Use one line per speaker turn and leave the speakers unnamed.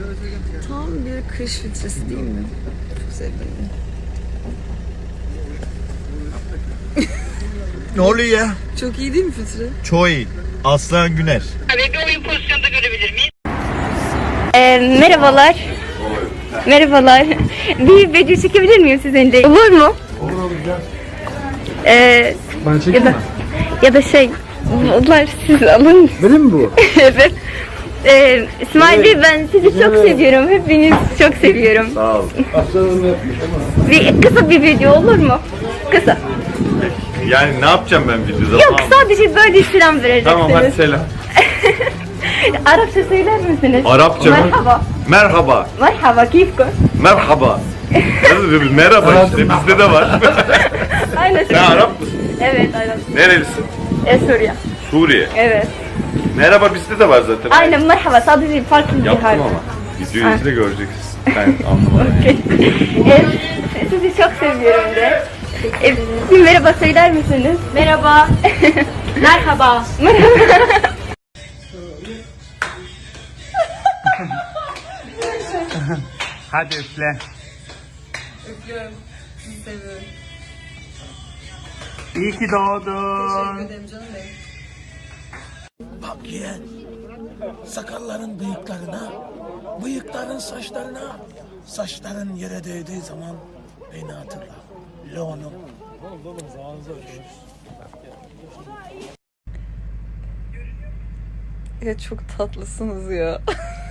Tam bir kış filtresi değil mi? Çok sevdim.
Ne oluyor ya?
Çok iyi değil mi filtre?
Çok iyi. Aslan Güner.
Bir oyun pozisyonda görebilir miyim?
Merhabalar. Merhabalar. Bir video çekebilir miyim sizinle? Olur mu?
Olur olacak.
Ben
çekeyim mi?
Ya da şey, bunlar siz alın.
Benim mi bu?
Evet. İsmail Bey, ben sizi çok seviyorum. Hepiniz çok seviyorum.
Sağ ol.
Aslanım yapmış ama.
Kısa bir video olur mu? Kısa.
Yani ne yapacağım ben videoda?
Yok, sadece böyle selam vereceksiniz.
Tamam hadi selam.
Arapça söyler misiniz?
Arapça mı?
Merhaba.
Merhaba.
Merhaba, keyifko.
Merhaba. Merhaba işte bizde de var.
Aynen.
Sen Arap mısın?
Evet, Arap.
Nerelisin?
Suriye.
Suriye.
Evet.
Merhaba bizde de var zaten.
Aynen, merhaba. Sadece farklı bir
Yaptım
harf.
ama. Videoyu izle göreceksin. Ben anlamadım.
Sizi çok seviyorum de. Bir merhaba söyler misiniz? Merhaba. Merhaba.
Hadi üfle.
Öpüyorum. Sizi seviyorum.
İyi ki doğdun.
Teşekkür ederim canım benim.
Bak yeğen, sakalların bıyıklarına, bıyıkların saçlarına, saçların yere değdiği zaman beni hatırla. Leon'um.
Ya çok tatlısınız ya.